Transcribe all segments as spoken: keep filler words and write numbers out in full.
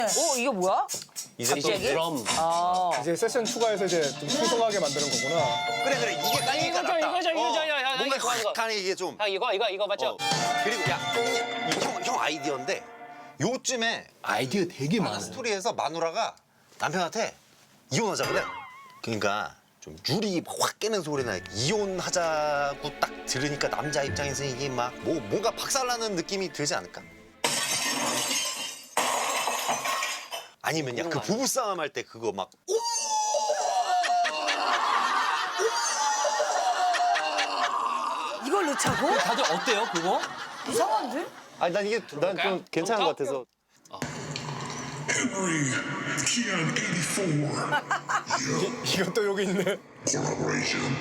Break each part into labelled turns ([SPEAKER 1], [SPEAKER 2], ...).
[SPEAKER 1] 어, 이거 뭐야?
[SPEAKER 2] 이제 또
[SPEAKER 1] 갑자기?
[SPEAKER 2] 드럼.
[SPEAKER 1] 아.
[SPEAKER 3] 이제 세션 추가해서 이제 좀 풍성하게 만드는 거구나.
[SPEAKER 4] 그래 그래 이게 깔리니까
[SPEAKER 2] 이거죠,
[SPEAKER 4] 낫다.
[SPEAKER 2] 이거죠, 이거죠.
[SPEAKER 4] 어,
[SPEAKER 2] 야, 야, 야,
[SPEAKER 4] 뭔가
[SPEAKER 2] 이거 하는 거.
[SPEAKER 4] 확하네 이게 좀.
[SPEAKER 2] 형 이거 이거 이거 맞죠?
[SPEAKER 4] 어. 그리고 야, 형, 형 아이디어인데 요쯤에
[SPEAKER 5] 아이디어 되게 많아.
[SPEAKER 4] 스토리에서 마누라가 남편한테 이혼하자 그래. 그러니까 좀 유리 확 깨는 소리나 이혼하자고 딱 들으니까 남자 입장에서 이게 막 뭐 뭔가 박살나는 느낌이 들지 않을까? 아니면 야 그 부부싸움 할 때 그거 막
[SPEAKER 1] 이걸 넣자고?
[SPEAKER 2] 다들 어때요 그거?
[SPEAKER 1] 이상한데?
[SPEAKER 4] 아니 난 이게 난 좀 괜찮은 것 같아서.
[SPEAKER 6] Henry Kian eighty-four
[SPEAKER 3] 이것도 여기 있네.
[SPEAKER 6] collaboration.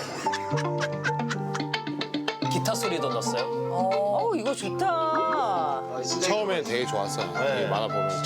[SPEAKER 2] 기타 소리도 넣었어요.
[SPEAKER 1] 어, 이거 좋다.
[SPEAKER 5] 처음엔 되게 좋았어. 이 만화 보면서.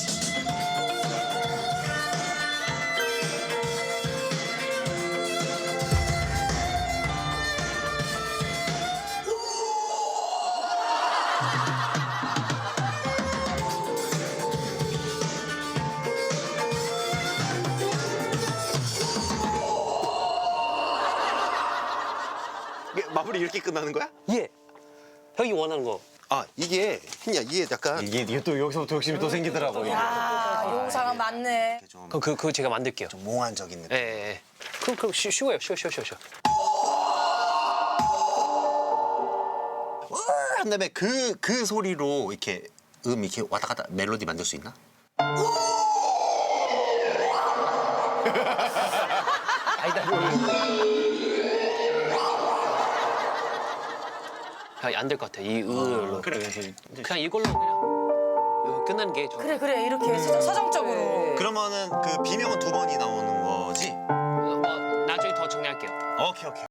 [SPEAKER 4] 이게 마무리 이렇게 끝나는 거야?
[SPEAKER 2] 예. 형이 원하는 거.
[SPEAKER 4] 아 이게 그냥 이게 약간
[SPEAKER 5] 이게, 이게 또 여기서부터 욕심이 또 생기더라고. 이게.
[SPEAKER 1] 아, 용사가 많네.
[SPEAKER 4] 좀,
[SPEAKER 2] 그럼 그 그거 제가 만들게요.
[SPEAKER 4] 좀 몽환적인 느낌.
[SPEAKER 2] 예, 예. 예. 그럼 그럼 쉬, 쉬워요. 쉬워 쉬워 쉬워 쉬워.
[SPEAKER 4] 한 다음에 그, 그 소리로 이렇게 음 이렇게 왔다 갔다 멜로디 만들 수 있나?
[SPEAKER 2] 안 될 것 같아. 이 으로.
[SPEAKER 4] 그래.
[SPEAKER 2] 그냥 이걸로 그냥 이거 끝나는 게 좋아.
[SPEAKER 1] 그래, 그래. 이렇게 서, 서정적으로.
[SPEAKER 4] 그러면은 그 비명은 두 번이 나오는 거지?
[SPEAKER 2] 어, 나중에 더 정리할게요.
[SPEAKER 4] 오케이 오케이.